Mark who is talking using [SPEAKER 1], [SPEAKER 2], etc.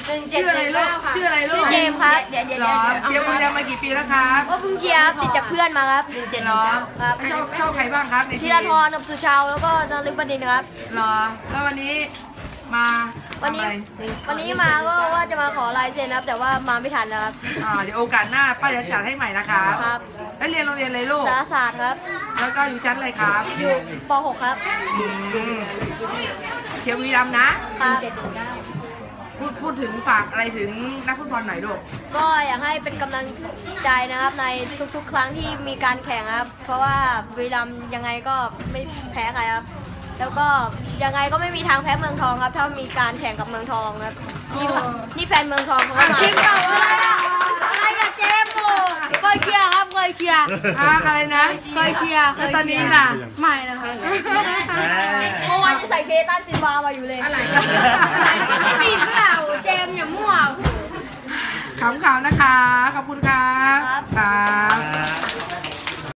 [SPEAKER 1] ชื่ออะไรลูกชื่ออะไรลูก
[SPEAKER 2] ชื่อเจมครับ
[SPEAKER 1] หรอเชียร์บุรีรัมย์มากี่ปีแล้วครับ
[SPEAKER 2] ก็เพิ่งเชียร์ติดจากเพื่อนมาครับ
[SPEAKER 1] หรอ
[SPEAKER 2] ครับ
[SPEAKER 1] ชอบใครบ้างครับใน
[SPEAKER 2] ธีรทร สุชาวแล้วก็นฤบดินทร์ครับ
[SPEAKER 1] หรอแล้ววันนี้มา
[SPEAKER 2] วันนี้มาก็ว่าจะมาขอลายเซ็นครับแต่ว่ามาไม่ทันนะครับ
[SPEAKER 1] เดี๋ยวโอกาสหน้าป้าจะจัดให้ใหม่นะครับ
[SPEAKER 2] ครับ
[SPEAKER 1] แล้วเรียนโรงเรียนอะไรลูก
[SPEAKER 2] สารศาสตร์ครับ
[SPEAKER 1] แล้วก็อยู่ชั้นอะไรครับ
[SPEAKER 2] อยู่ป .6 ครับ
[SPEAKER 1] เชียร์บุรีรัมย์นะครับพูดถึงฝากอะไรถึงนักฟุตบอลหน่อยลูก
[SPEAKER 2] ก็อยากให้เป็นกำลังใจนะครับในทุกๆครั้งที่มีการแข่งครับเพราะว่าบุรีรัมย์ยังไงก็ไม่แพ้ใครครับแล้วก็ยังไงก็ไม่มีทางแพ้เมืองทองครับถ้ามีการแข่งกับเมืองทองครับนี่แฟนเมืองทองเขาก็มา
[SPEAKER 3] อะไรอะเจมส์เคยเชียร์ครับเคยเชียร์
[SPEAKER 1] อะไรนะ
[SPEAKER 3] เคยเชียร์
[SPEAKER 1] ตอนนี้ล่ะ
[SPEAKER 3] ไม่นะคะ
[SPEAKER 2] เมื่อวานจะใส่เคตันซินวามาอยู่เลย
[SPEAKER 3] อะไรก็ไม่มีเสื้อเจมส์อย่ามั่ว
[SPEAKER 1] ขำๆนะคะขอบคุณครับ